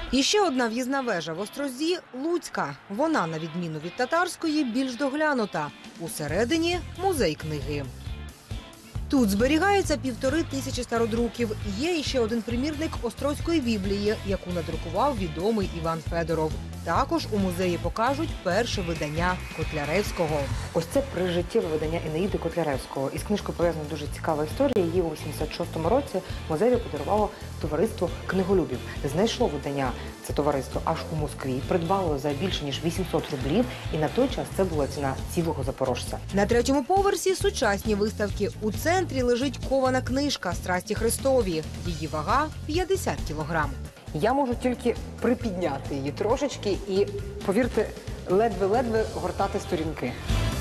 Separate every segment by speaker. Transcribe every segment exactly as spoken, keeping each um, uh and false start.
Speaker 1: І ще одна в'їзна вежа в Острозі – Луцька. Вона, на відміну від татарської, більш доглянута. Усередині – музей книги. Тут зберігається півтори тисячі стародруків. Є іще один примірник Острозької Біблії, яку надрукував відомий Іван Федоров. Також у музеї покажуть перше видання Котляревського.
Speaker 2: Ось це прижиттєве видання Енеїди Котляревського. Із книжкою пов'язана дуже цікава історія. Її у вісімдесят шостому році музею подарувало товариство книголюбів. Знайшло видання це товариство аж у Москві, придбало за більше ніж вісімсот рублів, і на той час це була ціна цілого запорожця.
Speaker 1: На третьому поверсі сучасні виставки. У центрі лежить кована книжка «Страсті Христові». Її вага – п'ятдесят кілограм.
Speaker 2: Я можу тільки припідняти її трошечки і, повірте, ледве-ледве гортати сторінки.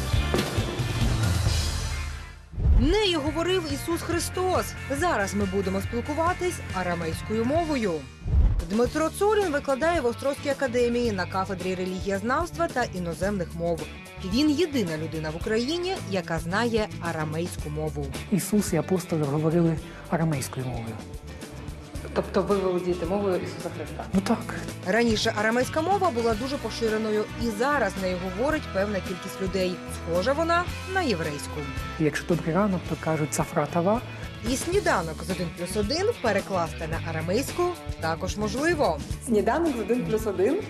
Speaker 1: Нею говорив Ісус Христос. Зараз ми будемо спілкуватись арамейською мовою. Дмитро Цурін викладає в Острозькій академії на кафедрі релігієзнавства та іноземних мов. Він єдина людина в Україні, яка знає арамейську мову.
Speaker 3: Ісус і апостоли говорили арамейською мовою.
Speaker 2: Тобто ви володієте мовою Ісуса Христа?
Speaker 3: Ну так.
Speaker 1: Раніше арамейська мова була дуже поширеною, і зараз нею говорить певна кількість людей. Схожа вона на єврейську.
Speaker 3: Якщо добрий ранок, то кажуть «цафратава».
Speaker 1: І сніданок з один плюс один перекласти на арамейську також можливо.
Speaker 2: Сніданок з один плюс один?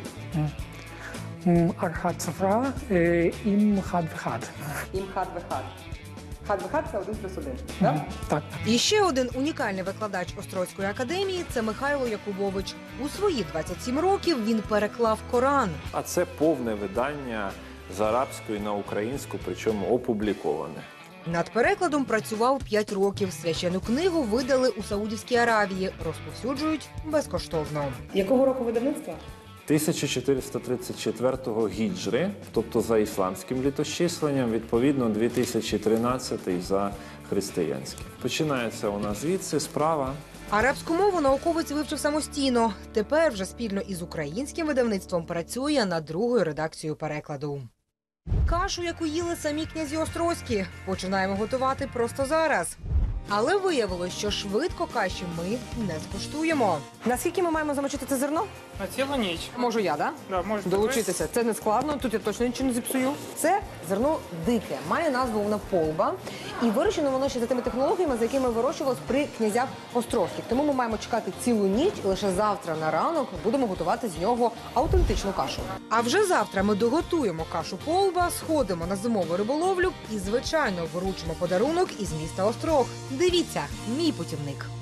Speaker 3: Архат цафра, ім хад вихад.
Speaker 2: Ім хад вихад. Хад вихад – це один плюс один, так?
Speaker 3: Так.
Speaker 1: І ще один унікальний викладач Острозької академії – це Михайло Якубович. У свої двадцять сім років він переклав Коран.
Speaker 4: А це повне видання з арабської на українську, причому опубліковане.
Speaker 1: Над перекладом працював п'ять років. Священну книгу видали у Саудівській Аравії. Розповсюджують безкоштовно.
Speaker 2: Якого року видавництва?
Speaker 4: тисяча чотириста тридцять четвертого гіджри, тобто за ісламським літосчисленням, відповідно дві тисячі тринадцятий за християнським. Починається у нас звідси справа.
Speaker 1: Арабську мову науковець вивчив самостійно. Тепер вже спільно із українським видавництвом працює над другою редакцією перекладу. Кашу, яку їли самі князі Острозькі, починаємо готувати просто зараз. Але виявилось, що швидко каші ми не скуштуємо.
Speaker 2: Наскільки ми маємо замочити це зерно?
Speaker 5: На цілу ніч.
Speaker 2: Можу я, так?
Speaker 5: Да, можете
Speaker 2: Долучитися. Це не складно, тут я точно нічого не зіпсую. Це зерно дике, має назву вона полба. І вирощено воно ще за тими технологіями, за якими вирощувалось при князях Острозьких. Тому ми маємо чекати цілу ніч, і лише завтра на ранок будемо готувати з нього автентичну кашу.
Speaker 1: А вже завтра ми доготуємо кашу полба, сходимо на зимову риболовлю і, звичайно, вручимо подарунок із міста Острог. Дивіться, мій путівник.